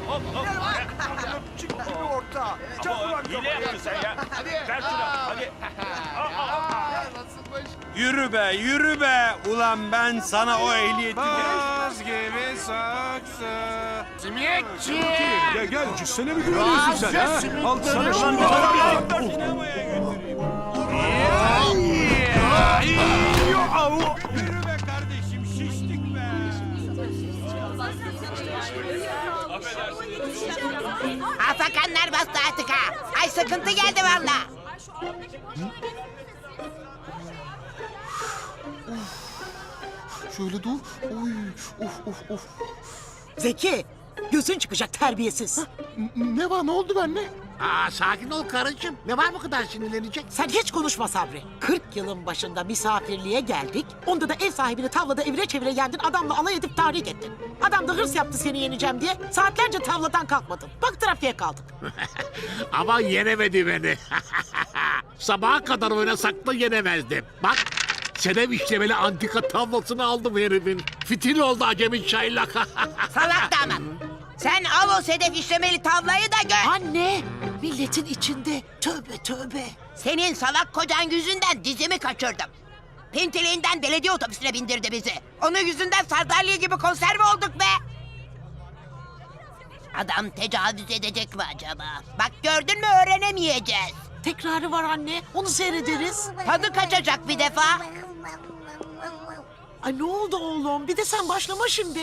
Çık bir orta. Çak ulan Hile yaptın sen ya. Ver şunu hadi. Yürü be, yürü be. Ulan ben sana o ehliyeti Baz gibi saksı. Simitçi. Gel gel cüssene mi güveniyorsun sen ha? Al sana şimdi. sinemaya götüreyim. Yürü be kardeşim, şiştik be. Afakanlar bastı artık ha. Ay sıkıntı geldi valla. Şöyle dur. Oy, of. Zeki, gözün çıkacak terbiyesiz. Ne var, ne oldu benimle? Sakin ol karıcığım. Ne var bu kadar sinirlenecek? Sen hiç konuşma Sabri. 40 yılın başında misafirliğe geldik. Onda da ev sahibini tavlada evire çevire yendin. Adamla alay edip tahrik ettin. Adam da hırs yaptı seni yeneceğim diye. Saatlerce tavladan kalkmadın. Bak trafiğe kaldık. Ama yenemedi beni. Sabaha kadar oynasak da yenemezdim. Bak, Sedef işlemeli antika tablosunu aldım herifin. Fitil oldu acemi çaylak. Salak damat. Sen al o sedef işlemeli tavlayı da gör. Anne, milletin içinde. Tövbe. Senin salak kocan yüzünden dizimi kaçırdım. Pintiliğinden belediye otobüsüne bindirdi bizi. Onun yüzünden sardalya gibi konserve olduk be. Adam tecavüz edecek mi acaba? Bak gördün mü öğrenemeyeceğiz. Tekrarı var anne. Onu seyrederiz. Tadı kaçacak bir defa. Ay ne oldu oğlum? Bir de sen başlama şimdi.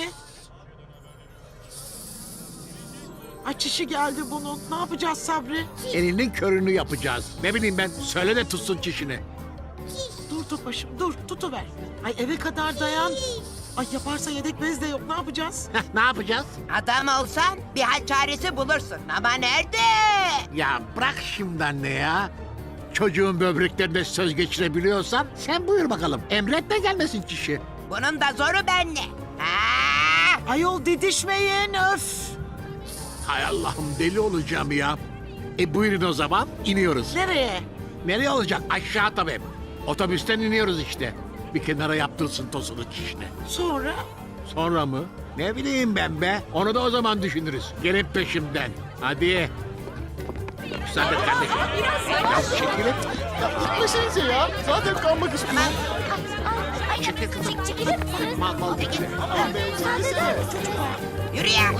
Ay çişi geldi bunun. Ne yapacağız Sabri? Elinin körünü yapacağız. Ne bileyim ben, söyle de tutsun çişini. Dur başım dur tutuver. Ay eve kadar dayan. Ay yaparsa yedek bez de yok ne yapacağız? Ne yapacağız? Adam olsan bir hal çaresi bulursun ama nerede? Ya bırak şimdi anne ya. Çocuğun böbreklerine söz geçirebiliyorsan sen buyur bakalım. Emretme gelmesin çişi. Bunun da zoru bende. Ha! Ayol didişmeyin öf. Hay Allah'ım, deli olacağım ya. Buyurun o zaman, iniyoruz. Nereye? Nereye olacak? Aşağı tabii. Otobüsten iniyoruz işte. Bir kenara yaptırsın tosunu çişini. Sonra? Sonra mı? Ne bileyim ben be. Onu da o zaman düşünürüz. Gelin peşimden. Hadi. Müsaade et kardeşim. Ya çekilin. Gitmesenize ya. Zaten kalmak istiyorum. Çekil kızım. Çekilir misiniz? Mal geçti. Aman be, çekilsene. Yürü ya.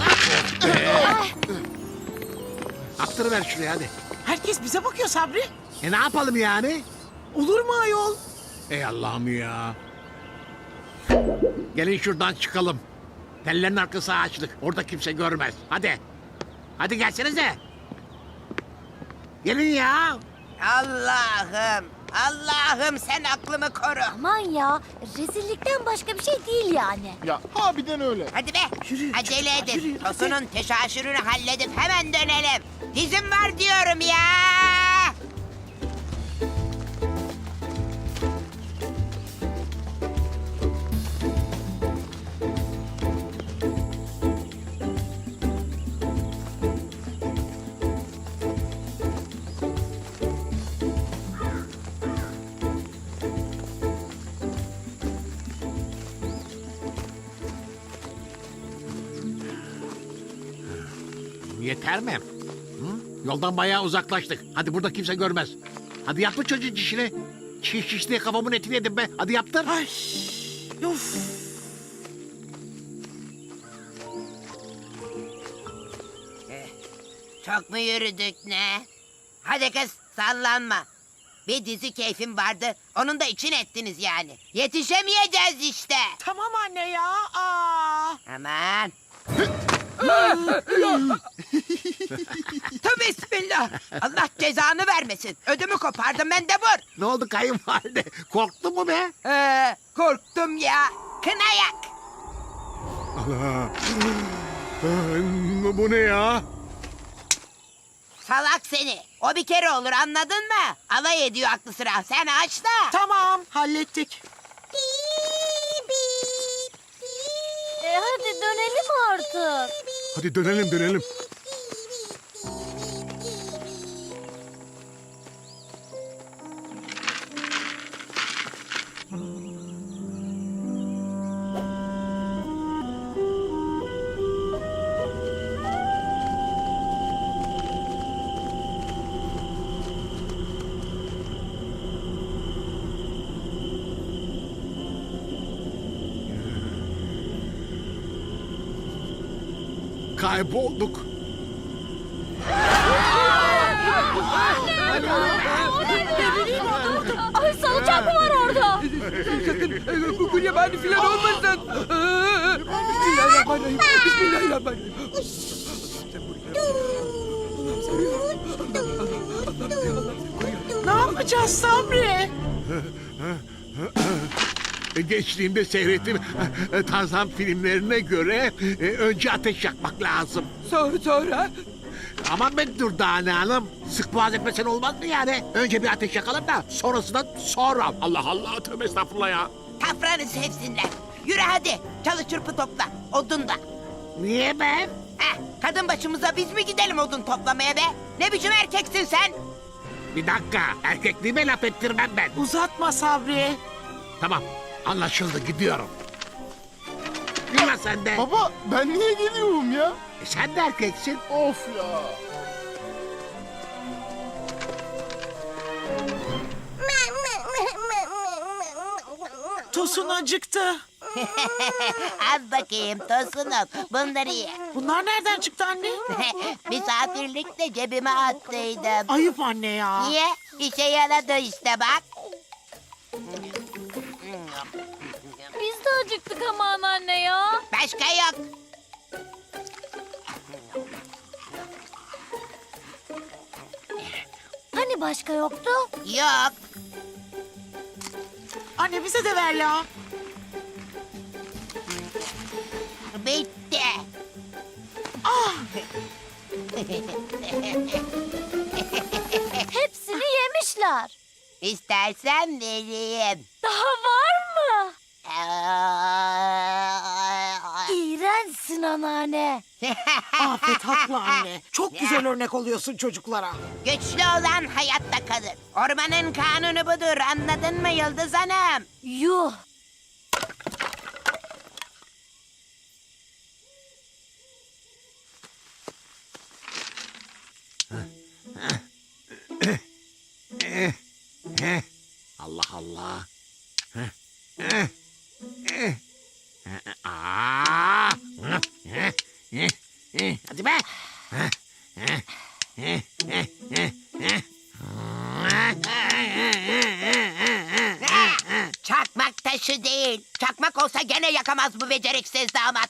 Attırıver şuraya hadi. Herkes bize bakıyor Sabri. Ne yapalım yani? Olur mu ayol? Ey Allah'ım ya. Gelin şuradan çıkalım. Tellerin arkası ağaçlık. Orada kimse görmez. Hadi. Hadi gelsenize. Gelin ya. Allah'ım sen aklımı koru. Aman ya, rezillikten başka bir şey değil yani. Ya harbiden öyle. Hadi be. Yürü, Acele çocuklar, edin. yürü, hadi. Tosunun teşaşürünü halledip hemen dönelim. Dizim var diyorum ya. Yeter mi? Hı? Yoldan bayağı uzaklaştık. Hadi burada kimse görmez. Hadi yaptır çocuğun çişini. Çiş diye kafamın etini yedim be. Hadi yaptır. Ay uf. Çok mu yürüdük ne? Hadi kız sallanma. Bir dizi keyfim vardı. Onun da için ettiniz yani. Yetişemeyeceğiz işte. Tamam anne ya. Aa. Aman. Tövbe bismillah. Allah cezanı vermesin. Ödümü kopardım ben de vur. Ne oldu kayınvalide? Korktun mu be? Korktum ya. Kınayak. Bu ne ya? Salak seni. O bir kere olur anladın mı? Alay ediyor aklı sıra. Sen aç da. Tamam hallettik. Hadi dönelim artık. Hadi dönelim. kaybolduk. Ay salıncak mı var orada? Sakın gulyabani falan olmasın. Bismillahirrahmanirrahim. Bismillahirrahmanirrahim. Ne yapacağız Sabri? Gençliğimde seyrettiğim Tarzan filmlerine göre önce ateş yakmak lazım. Sonra? Aman ben Dürdane Hanım. Sık boğaz etmesen olmaz mı yani? Önce bir ateş yakalım da sonrasından sonra. Allah Allah, tövbe estağfurullah ya. Tafranı sevsinler. Yürü hadi. Çalı çırpı topla. Odun da. Niye ben? Kadın başımıza biz mi gidelim odun toplamaya be? Ne biçim erkeksin sen? Bir dakika, erkekliğime laf ettirmem ben. Uzatma Sabri. Tamam, anlaşıldı, gidiyorum. Yürü sen de. Baba ben niye geliyorum ya? Sen de erkeksin. Of ya. Tosun acıktı. Al bakayım Tosunum. Bunları ye. Bunlar nereden çıktı anne? Misafirlikte cebime attıydım. Ayıp anne ya. Niye? İşe yaradı işte bak. Biz de acıktık ama anneanne ya. Başka yok. Hani başka yoktu? Yok. Anne bize de ver ya. Bitti. Hepsini yemişler. İstersen vereyim. Daha var mı? İğrençsin anneanne. Afet haklı anne. Çok güzel örnek oluyorsun çocuklara. Güçlü olan hayatta kalır. Ormanın kanunu budur. Anladın mı Yıldız Hanım? Yuh. Allah Allah. Hadi be. Çakmak taşı değil. Çakmak olsa gene yakamaz bu beceriksiz damat.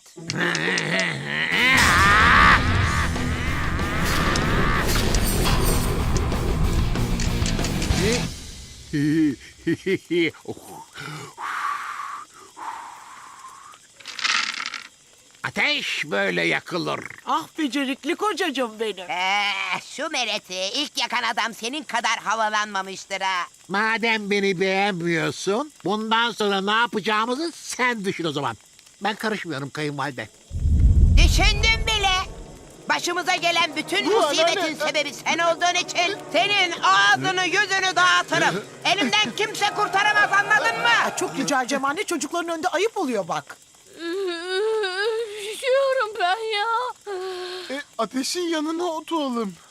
Ateş böyle yakılır. Ah becerikli kocacığım benim. Şu mereti ilk yakan adam senin kadar havalanmamıştır ha. Madem beni beğenmiyorsun, bundan sonra ne yapacağımızı sen düşün o zaman. Ben karışmıyorum kayınvalide. Düşündüm bile. Başımıza gelen bütün Bu musibetin anneanne- sebebi sen olduğun için senin ağzını yüzünü dağıtırım. Elimden kimse kurtaramaz anladın mı? Ay, çok rica edeceğim anne çocukların önünde ayıp oluyor bak. Üşüyorum ben ya. Ateşin yanına oturalım.